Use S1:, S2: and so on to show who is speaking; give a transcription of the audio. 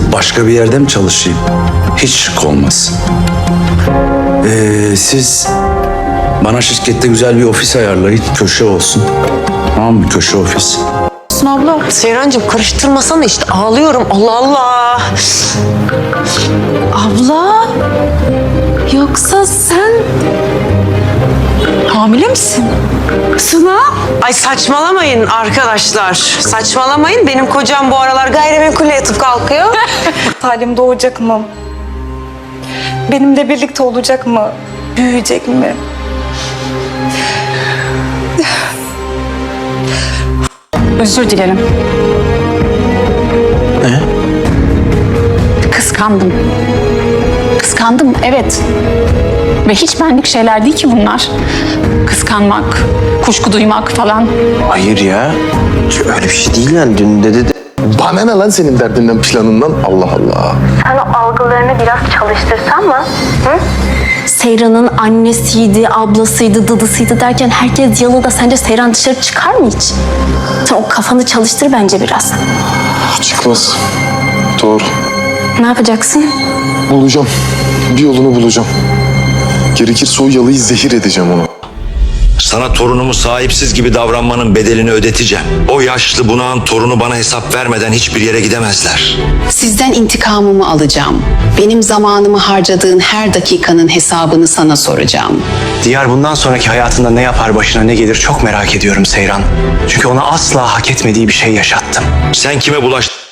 S1: başka bir yerde mi çalışayım? Hiç şık olmaz. Siz bana şirkette güzel bir ofis ayarlayın. Köşe olsun. Tamam mı? Köşe ofis.
S2: Abla.
S3: Seyrancığım karıştırmasana işte ağlıyorum. Allah Allah.
S2: Abla. Yoksa sen hamile misin? Suna.
S3: Ay saçmalamayın arkadaşlar. Saçmalamayın. Benim kocam bu aralar gayrimenkulle yatıp kalkıyor.
S4: Salim doğacak mı? Benimle birlikte olacak mı? Büyüyecek mi?
S2: Özür dilerim.
S1: Ne?
S2: Kıskandım. Kıskandım, evet. Ve hiç benlik şeyler değil ki bunlar. Kıskanmak, kuşku duymak falan.
S5: Hayır ya. Öyle bir şey değil yani. Dün dedi de...
S6: Bana ne lan senin derdinden, planından? Allah Allah.
S7: Sen o algılarını biraz çalıştırsan mı? Hı?
S8: Seyran'ın annesiydi, ablasıydı, dıdısıydı derken herkes yalıda. Sence Seyran dışarı çıkar mı hiç? Sen o kafanı çalıştır bence biraz.
S6: Çıkmaz. Doğru.
S8: Ne yapacaksın?
S6: Bulacağım. Bir yolunu bulacağım. Gerekirse o yalıyı zehir edeceğim onu.
S9: Sana torunumu sahipsiz gibi davranmanın bedelini ödeteceğim. O yaşlı bunağın torunu bana hesap vermeden hiçbir yere gidemezler.
S10: Sizden intikamımı alacağım. Benim zamanımı harcadığın her dakikanın hesabını sana soracağım.
S5: Diyar bundan sonraki hayatında ne yapar, başına ne gelir çok merak ediyorum Seyran. Çünkü ona asla hak etmediği bir şey yaşattım.
S9: Sen kime bulaştın?